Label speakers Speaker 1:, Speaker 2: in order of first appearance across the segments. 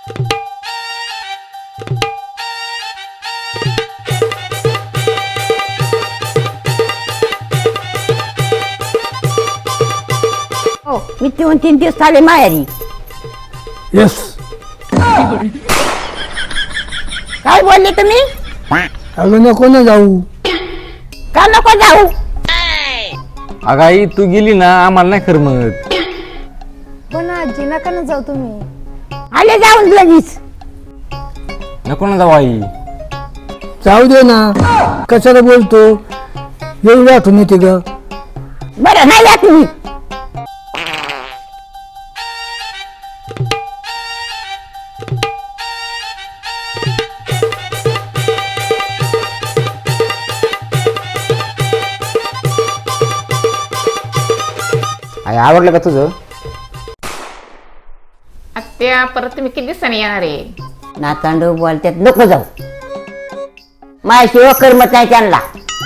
Speaker 1: हो मी 2-3 दिवस आले माहेरी.
Speaker 2: येस.
Speaker 1: काय बोलले तुम्ही?
Speaker 2: अगं नको ना जाऊ.
Speaker 1: का नको जाऊ?
Speaker 3: अगं आई तू गेली ना आम्हाला नाही करमत.
Speaker 4: पण आजी नका ना जाऊ तुम्ही.
Speaker 1: आले जाऊन लगेच.
Speaker 3: नको ना जाऊ आई.
Speaker 2: जाऊ दे ना, कशाला बोलतो. एवढी आठवण येते ग.
Speaker 1: बरं नाही जात मी.
Speaker 3: आई आवडलं का तुझं?
Speaker 5: आत्या परत तुम्ही किती दिवसांनी येणार आहे?
Speaker 1: नातांडू बोलतात नको जाऊ. माझ्याशिवाय करमत नाही त्यांना.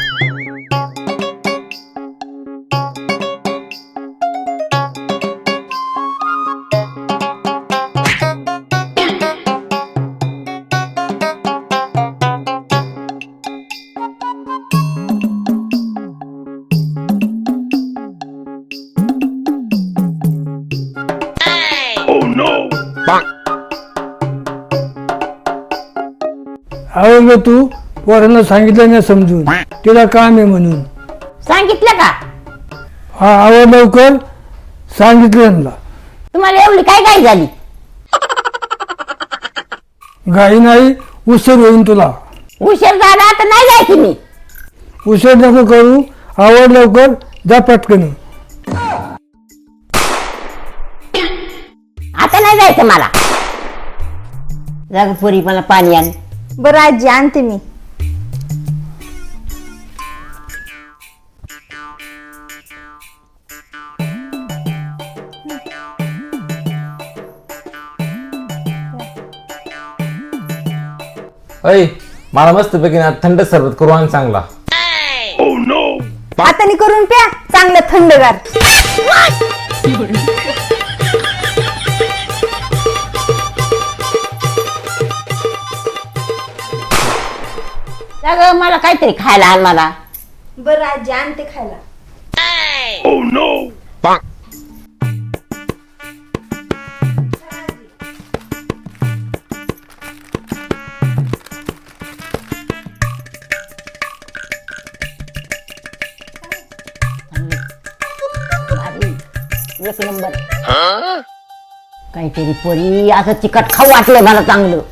Speaker 2: अहो ग तू पोरांना सांगितलं नाही समजून, तिला काम आहे म्हणून.
Speaker 1: सांगितलं का?
Speaker 2: हा आव लवकर सांगितलं ना.
Speaker 1: तुम्हाला एवढी काय काय झाली?
Speaker 2: घाई नाही, उशीर होईन तुला.
Speaker 1: उशीर झाला तर नाही जायची मी.
Speaker 2: उशीर नको करू, आवड लवकर जा पटकन.
Speaker 1: आता नाही जायचं मला. जाग पोरी मला पाणी आण.
Speaker 4: बरं आजी आणते मी.
Speaker 3: अय मला मस्त पैकी ना थंड सरबत करू आण चांगला.
Speaker 4: हाताने करून प्या चांगलं थंडगार.
Speaker 1: जाग मला काहीतरी खायला आण मला.
Speaker 4: बरं आजी आणते खायला.
Speaker 1: एक नंबर. काहीतरी पोरी असं चिकट खाऊ वाटलं मला चांगलं.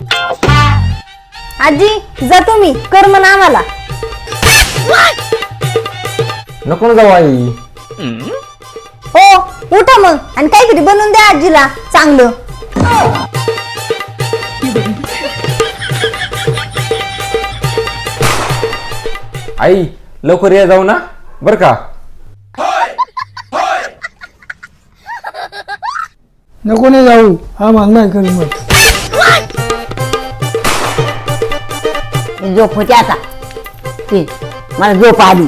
Speaker 4: आजी जा तुम्ही कर म्हणा आम्हाला.
Speaker 3: नको ना जाऊ आई.
Speaker 4: हो उठा मग आणि काहीतरी बनवून द्या आजीला चांगलं.
Speaker 3: आई लवकर या जाऊ ना बर का.
Speaker 2: नको ना जाऊ, आम्हाला नाही करमत.
Speaker 1: झोप होती आता. ते मला झोप आली.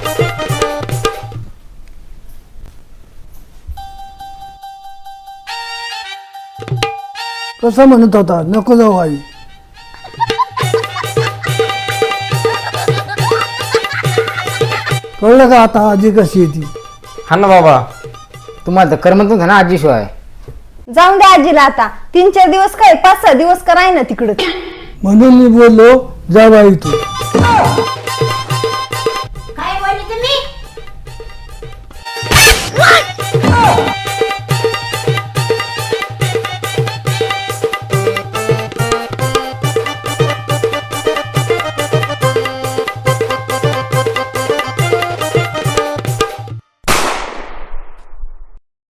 Speaker 2: कसं म्हणत होता नको जाऊ आई. कळलं का आता आजी कशी येते.
Speaker 3: हा ना बाबा तुम्हाला तर करमत नव्हतं ना आजीशिवाय.
Speaker 4: जाऊन द्या आजीला आता. 3-4 दिवस काय 5-6 दिवस कराय ना तिकडं.
Speaker 2: म्हणून मी बोललो जा बाई तू.
Speaker 1: काय बोलली तुम्ही?